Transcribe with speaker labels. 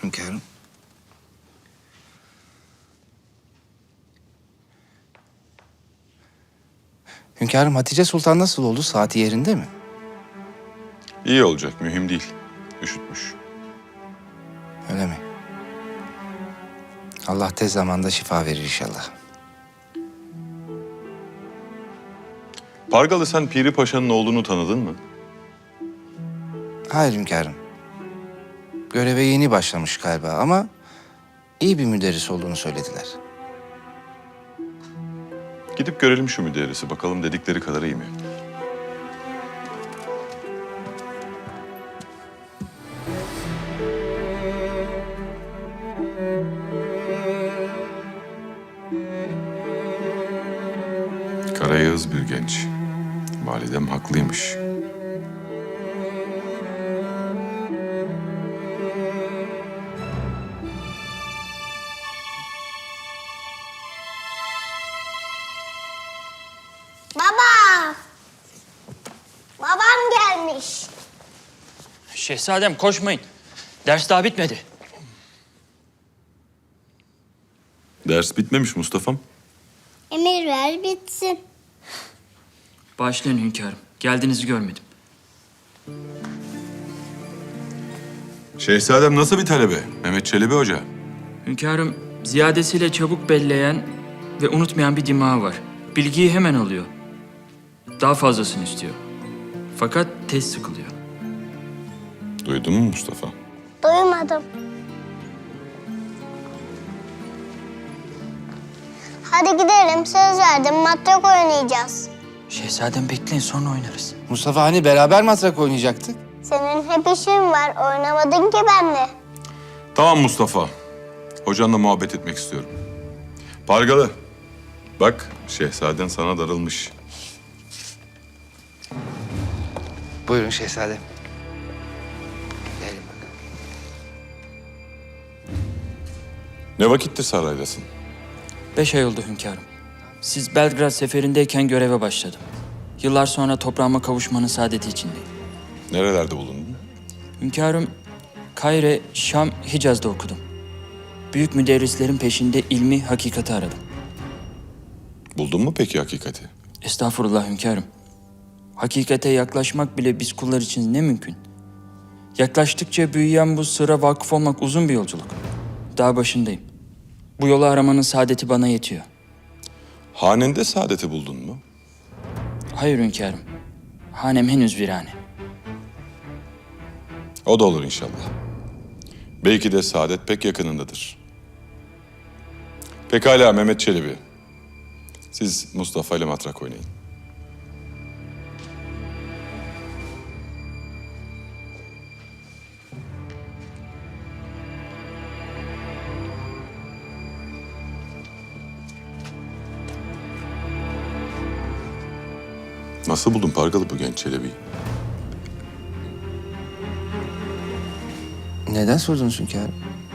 Speaker 1: hünkârım. Hünkârım, Hatice Sultan nasıl oldu? Saati yerinde mi?
Speaker 2: İyi olacak, mühim değil. Üşütmüş.
Speaker 1: Öyle mi? Allah tez zamanda şifa verir inşallah.
Speaker 2: Pargalı, sen Piri Paşa'nın oğlunu tanıdın mı?
Speaker 1: Hayır hünkârım. Göreve yeni başlamış galiba ama iyi bir müderris olduğunu söylediler.
Speaker 2: Gidip görelim şu müderrisi, bakalım dedikleri kadar iyi mi? Karayağız bir genç. Validem haklıymış.
Speaker 3: Baba! Babam gelmiş.
Speaker 4: Şehzadem koşmayın. Ders daha bitmedi.
Speaker 2: Ders bitmemiş Mustafa'm.
Speaker 3: Emir ver bitsin.
Speaker 4: Bağışlayın hünkârım. Geldiğinizi görmedim.
Speaker 2: Şehzadem nasıl bir talebe? Mehmet Çelebi Hoca.
Speaker 4: Hünkârım ziyadesiyle çabuk belleyen ve unutmayan bir dimağı var. Bilgiyi hemen alıyor. Daha fazlasını istiyor. Fakat tez sıkılıyor.
Speaker 2: Duydun mu Mustafa?
Speaker 3: Duymadım. Hadi gidelim, söz verdim, matrak oynayacağız.
Speaker 4: Şehzadem bekleyin, sonra oynarız.
Speaker 1: Mustafa, hani beraber matrak oynayacaktık?
Speaker 3: Senin hep işin var, oynamadın ki benle.
Speaker 2: Tamam Mustafa. Hocanla muhabbet etmek istiyorum. Pargalı, bak şehzaden sana darılmış.
Speaker 1: Buyurun şehzadem. Gelin bakalım.
Speaker 2: Ne vakittir saraydasın?
Speaker 4: 5 ay oldu hünkârım. Siz Belgrad seferindeyken göreve başladım. Yıllar sonra toprağıma kavuşmanın saadeti içindeyim.
Speaker 2: Nerelerde bulundun?
Speaker 4: Hünkârım, Kahire, Şam, Hicaz'da okudum. Büyük müderrislerin peşinde ilmi, hakikati aradım.
Speaker 2: Buldun mu peki hakikati?
Speaker 4: Estağfurullah hünkârım. Hakikate yaklaşmak bile biz kullar için ne mümkün. Yaklaştıkça büyüyen bu sırra vakıf olmak uzun bir yolculuk. Daha başındayım. Bu yolu aramanın saadeti bana yetiyor.
Speaker 2: Hanende saadeti buldun mu?
Speaker 4: Hayır hünkârım. Hanem henüz virane.
Speaker 2: O da olur inşallah. Belki de saadet pek yakınındadır. Pekala Mehmet Çelebi. Siz Mustafa ile matrak oynayın. Nasıl buldun Pargalı bu genç Çelebi'yi?
Speaker 1: Neden sordunuz hünkârım?